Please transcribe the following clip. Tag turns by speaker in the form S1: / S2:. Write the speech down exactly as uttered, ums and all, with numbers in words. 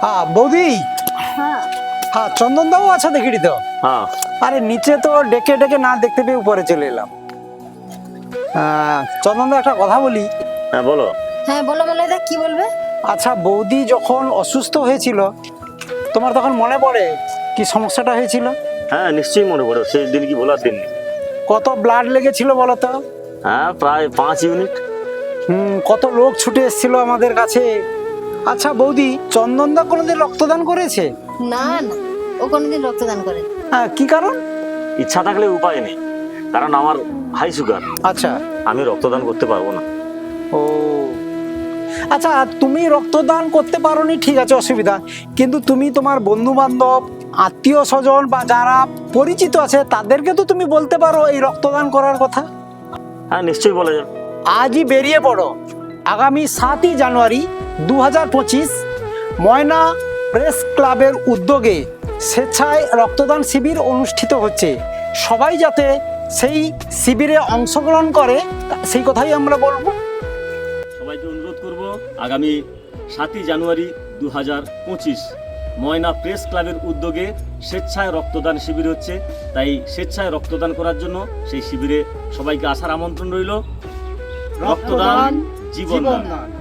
S1: হ্যাঁ বৌদি,
S2: হ্যাঁ
S1: হ্যাঁ চন্দন দাও আচ্ছা দেখিটি তো।
S3: হ্যাঁ
S1: আরে নিচে তো ডেকে ডেকে না দেখতে পেয়ে উপরে চলে এলাম। চন্দন দা একটা কথা বলি।
S3: হ্যাঁ বলো।
S2: হ্যাঁ বলো মলয়দা, কি বলবে?
S1: আচ্ছা বৌদি যখন অসুস্থ হয়েছিল তোমার তখন মনে পড়ে কি সমস্যাটা হয়েছিল?
S3: হ্যাঁ নিশ্চয়ই মনে পড়ে, সেই দিন কি বলার দিন নেই।
S1: কত ব্লাড লেগেছিল বলো তো?
S3: হ্যাঁ প্রায় পাঁচ ইউনিট।
S1: হুম, কত লোক ছুটে এসেছিল আমাদের কাছে। আচ্ছা বৌদি, চন্দন দা কোনোদিন রক্তদান করেছে?
S2: না না, ও কোনোদিন রক্তদান করে।
S1: হ্যাঁ, কি কারণ?
S3: ইচ্ছা থাকলে উপায় নেই, কারণ আমার হাই সুগার,
S1: আচ্ছা।
S3: আমি রক্তদান করতে পারবো না।
S1: ও আচ্ছা, তুমি রক্তদান করতে পারোনি ঠিক আছে, অসুবিধা, কিন্তু তুমি তোমার বন্ধু বান্ধব, আত্মীয় স্বজন বা যারা পরিচিত আছে তাদেরকে তো তুমি বলতে পারো এই রক্তদান করার কথা।
S3: হ্যাঁ নিশ্চয়ই বলা যাবে।
S1: আজই বেরিয়ে পড়ো। আগামী সাতই জানুয়ারি দু হাজার পঁচিশ ময়না প্রেস ক্লাবের উদ্যোগে স্বেচ্ছায় রক্তদান শিবির অনুষ্ঠিত হচ্ছে। সবাই যাতে সেই শিবিরে অংশগ্রহণ করে সেই কথাই আমরা বলবো।
S4: সবাইকে অনুরোধ করব, আগামী সাতই জানুয়ারি দু হাজার পঁচিশ ময়না প্রেস ক্লাবের উদ্যোগে স্বেচ্ছায় রক্তদান শিবির হচ্ছে, তাই স্বেচ্ছায় রক্তদান করার জন্য সেই শিবিরে সবাইকে আসার আমন্ত্রণ রইল। রক্তদান জীবনদান।